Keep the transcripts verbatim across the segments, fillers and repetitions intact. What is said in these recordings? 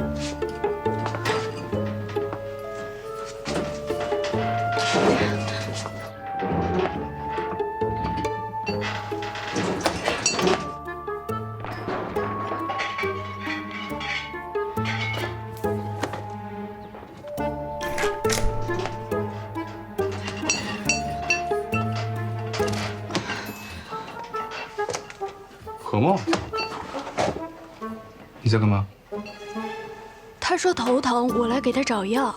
何梦，你在干嘛？ 他说头疼，我来给他找药。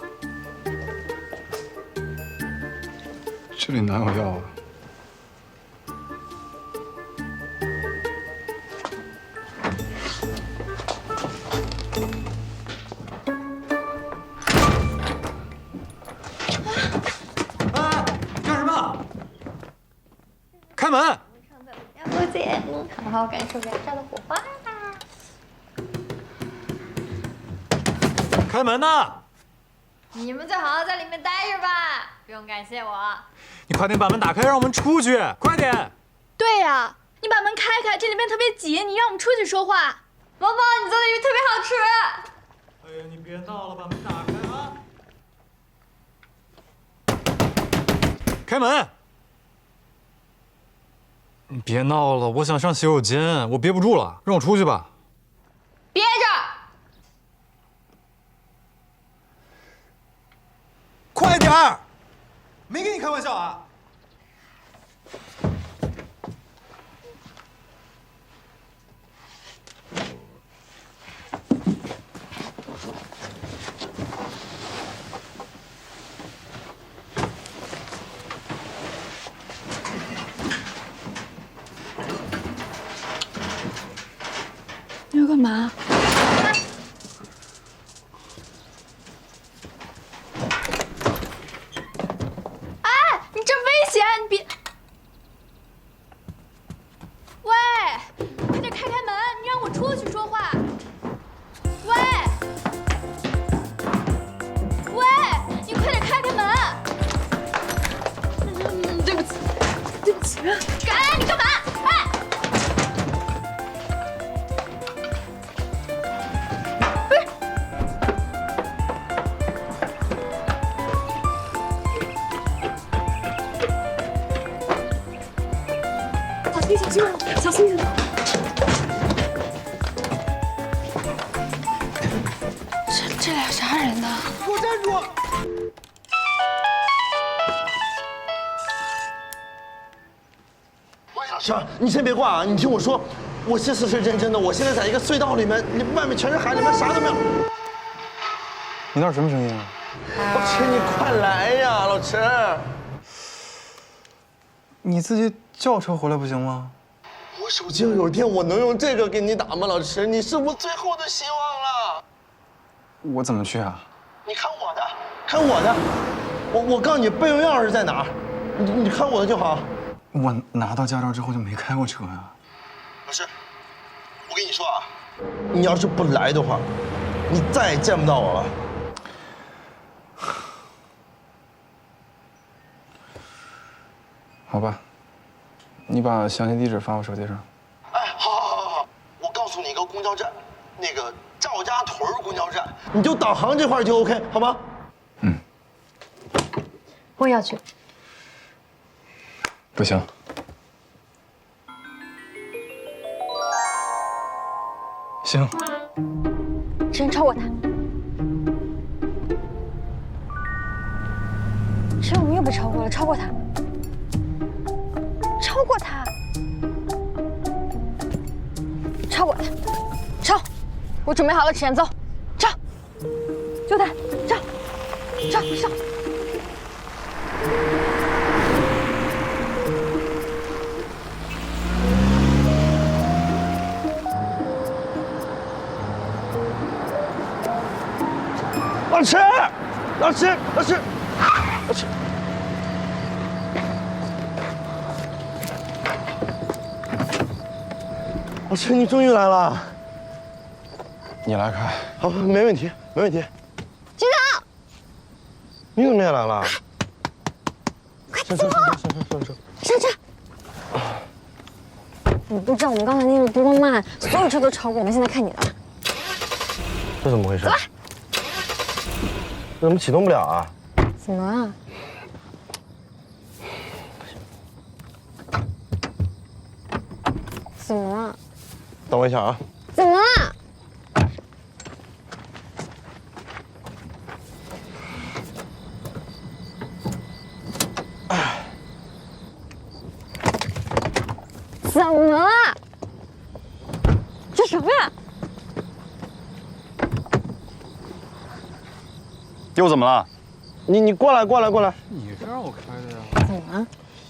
这里哪有药啊？ 哎，干什么？开门！ 要不姐，好好感受燃烧的火花。 开门呐！ 你们就好好在里面待着吧，不用感谢我。 你快点把门打开，让我们出去！快点！ 对呀，你把门开开，这里面特别挤，你让我们出去说话。 毛毛，你做的鱼特别好吃。 哎呀，你别闹了，把门打开啊！开门！你别闹了，我想上洗手间，我憋不住了，让我出去吧。 憋着。 快点儿！没跟你开玩笑啊！ 你要干嘛？这危险！你别，喂，快点开开门！你让我出去说话。喂，喂，你快点开开门！嗯，对不起，对不起。哎，你干嘛？哎！不是。小心点，小心点！这这俩啥人呢？ 给我站住！老师，你先别挂啊！你听我说，我这次是认真的。我现在在一个隧道里面，里外面全是海，里面啥都没有。 你那是什么声音啊？ 老师，你快来呀，老师！ 你自己叫车回来不行吗？ 我手机要有电，我能用这个给你打吗？老师，你是我最后的希望了。 我怎么去啊？ 你看我的，看我的，我我告诉你备用钥匙在哪儿，你你看我的就好。 我拿到驾照之后就没开过车呀。 老师，我跟你说啊，你要是不来的话，你再也见不到我了。 好吧，你把详细地址发我手机上。 哎，好，好，好，好，我告诉你一个公交站，那个赵家屯公交站，你就导航这块就 OK， 好吗？ 嗯。 我也要去。 不行。行。 谁超过他？谁我们又被超过了？超过他。超过他，超过他，超！我准备好了，齿茧，走，超！救他，超，超，上！ 老师，老师，老师，老师。老师，你终于来了。 你来开。 好，没问题，没问题。 局长， 你怎么也来了？ 快上车，上车，上车，上车。 上车！你不知道我们刚才那个多慢，所有车都超过我们，现在看你的。 这怎么回事？这怎么启动不了啊？ 怎么了？怎么了？ 等我一下啊。 怎么了？怎么了？这什么呀？ 又怎么了？ 你你过来过来过来。 你是让我开的呀？ 怎么了？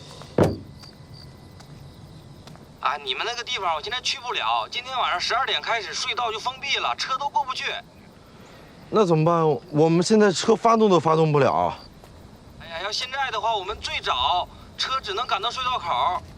啊，你们那个地方我现在去不了，今天晚上十二点开始隧道就封闭了，车都过不去。 那怎么办？我们现在车发动都发动不了。 哎呀，要现在的话，我们最早车只能赶到隧道口，